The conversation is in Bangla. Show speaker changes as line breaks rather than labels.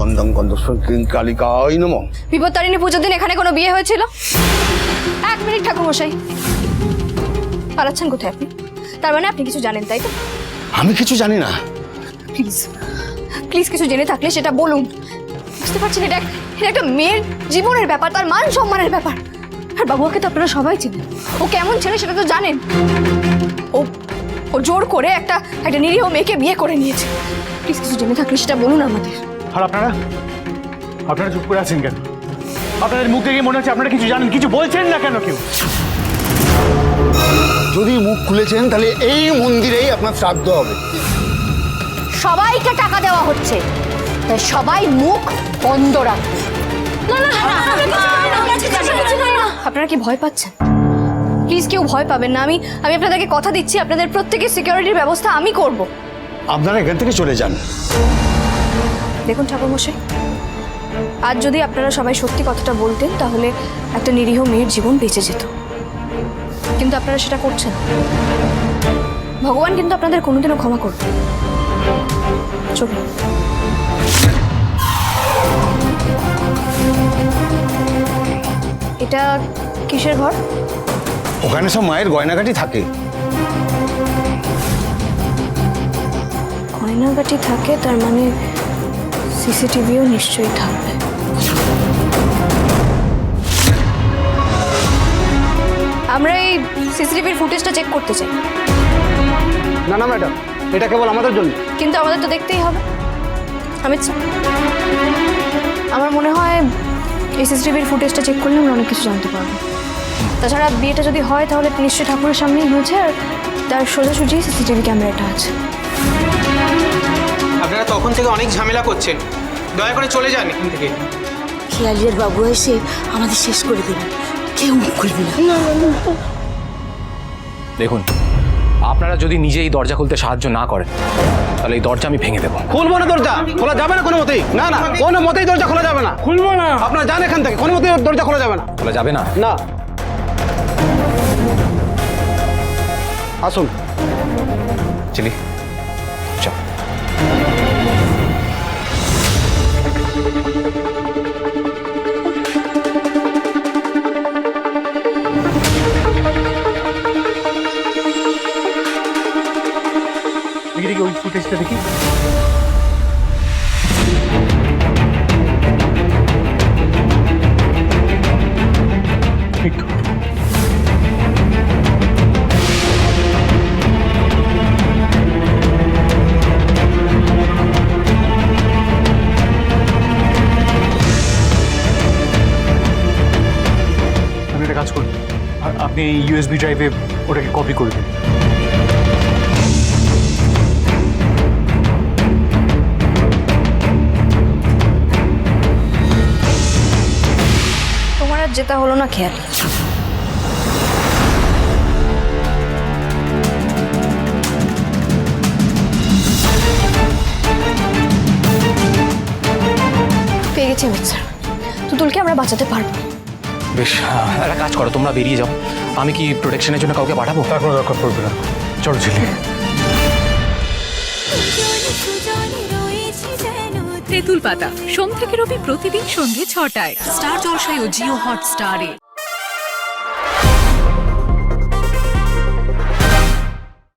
গন্ধং গন্ধস্বর কালিকায় নমঃ।
বিপত্তারিণী পুজোর দিন এখানে কোনো বিয়ে হয়েছিল? 1 মিনিট ঠাকুরমশাই, পালাচ্ছেন কোথায় আপনি? তার মানে আপনি কিছু জানেন, তাই তো?
আমি কিছু জানি না।
প্লিজ প্লিজ কিছু জেনে থাকলে সেটা বলুন। বুঝতে পারছেন এটা একটা মেয়ের জীবনের ব্যাপার, তার মান সম্মানের ব্যাপার। আর বাবুকে তো আপনারা সবাই চিনেন, ও কেমন ছেলে সেটা তো জানেন। ও ও জোর করে একটা নিরীহ মেয়েকে বিয়ে করে নিয়েছে। প্লিজ কিছু জেনে থাকলে সেটা বলুন আমাদের।
আর আপনারা চুপ করে আছেন কেন? আপনাদের মুখ দেখে মনে হচ্ছে আপনারা কিছু জানেন, কিছু বলছেন না কেন কেউ?
যদি মুখ খুলেছেন তাহলে এই মন্দিরেই আপনার শ্রাদ্ধ হবে।
সবাইকে টাকা দেওয়া হচ্ছে, তাই সবাই মুখ বন্ধ রাখবে। আপনারা কি ভয় পাচ্ছেন? প্লিজ কেউ ভয় পাবেন না। আমি আপনাদেরকে কথা দিচ্ছি, আপনাদের প্রত্যেকের সিকিউরিটির ব্যবস্থা আমি করব।
আপনারা এখান থেকে চলে যান।
দেখুন ঠাকুরমশাই, আজ যদি আপনারা সবাই সত্যি কথাটা বলতেন তাহলে একটা নিরীহ মেয়ের জীবন বেঁচে যেত, কিন্তু আপনারা সেটা করছেন। ভগবান কিন্তু আপনাদের কোনোদিনও ক্ষমা করবে। চলুন। এটা কিসের ঘর?
ওখানে সব মায়ের গয়নাগাটি থাকে।
গয়নাগাটি থাকে, তার মানে সিসিটিভিও নিশ্চয়ই থাকবে। আমরা এই সিসিটিভির ফুটেজটা চেক করতে চাই।
না না ম্যাডাম, এটা কেবল আমাদের জন্য।
কিন্তু আমাদের তো দেখতেই হবে। অমিত স্যার, আমার মনে হয় এই সিসিটিভির ফুটেজটা চেক করলে আমরা অনেক কিছু জানতে পারবো। তাছাড়া বিয়েটা যদি হয় তাহলে নিশ্চয়ই ঠাকুরের সামনেই হয়েছে, আর তার সোজাসুজি সিসিটিভি ক্যামেরাটা আছে।
আপনারা তখন থেকে অনেক ঝামেলা করছেন, দয়া করে চলে যান এখান থেকে।
খেয়ালিয়ার বাবু এসে আমাদের শেষ করে দেবে, কেউ মুখ খুলবে না।
দেখুন, আপনারা যদি নিজেই দরজা খুলতে সাহায্য না করেন তাহলে এই দরজা আমি ভেঙে দেবো।
খুলবো না, দরজা খোলা যাবে না কোনো মতেই। না না, কোনো মতেই দরজা খোলা যাবে না। খুলবো না। আপনারা যান এখান থেকে, কোনো মতেই দরজা খোলা যাবে না।
খোলা যাবে না?
না। আসুন।
চিলি, চল।
দেখি ওই ফুটেজটা দেখি। ঠিক। আপনি একটা কাজ করুন, আপনি ইউএসবি ড্রাইভে ওটাকে কপি করে দিন।
তোমার আর যেটা হলো না খেয়াল। পেয়ে গেছি অমিত স্যার, তুতুলকে আমরা বাঁচাতে পারবো।
বেশ, একটা কাজ করো, তোমরা বেরিয়ে যাও। আমি কি প্রোটেকশনের জন্য কাউকে পাঠাবো?
তার কোনো দরকার পড়বে না। চলো ঝিলি।
তেঁতুল পাতা সোম থেকে রবি প্রতিদিন সন্ধ্যে ৬টায় স্টার জলসায় ও জিও হটস্টারে।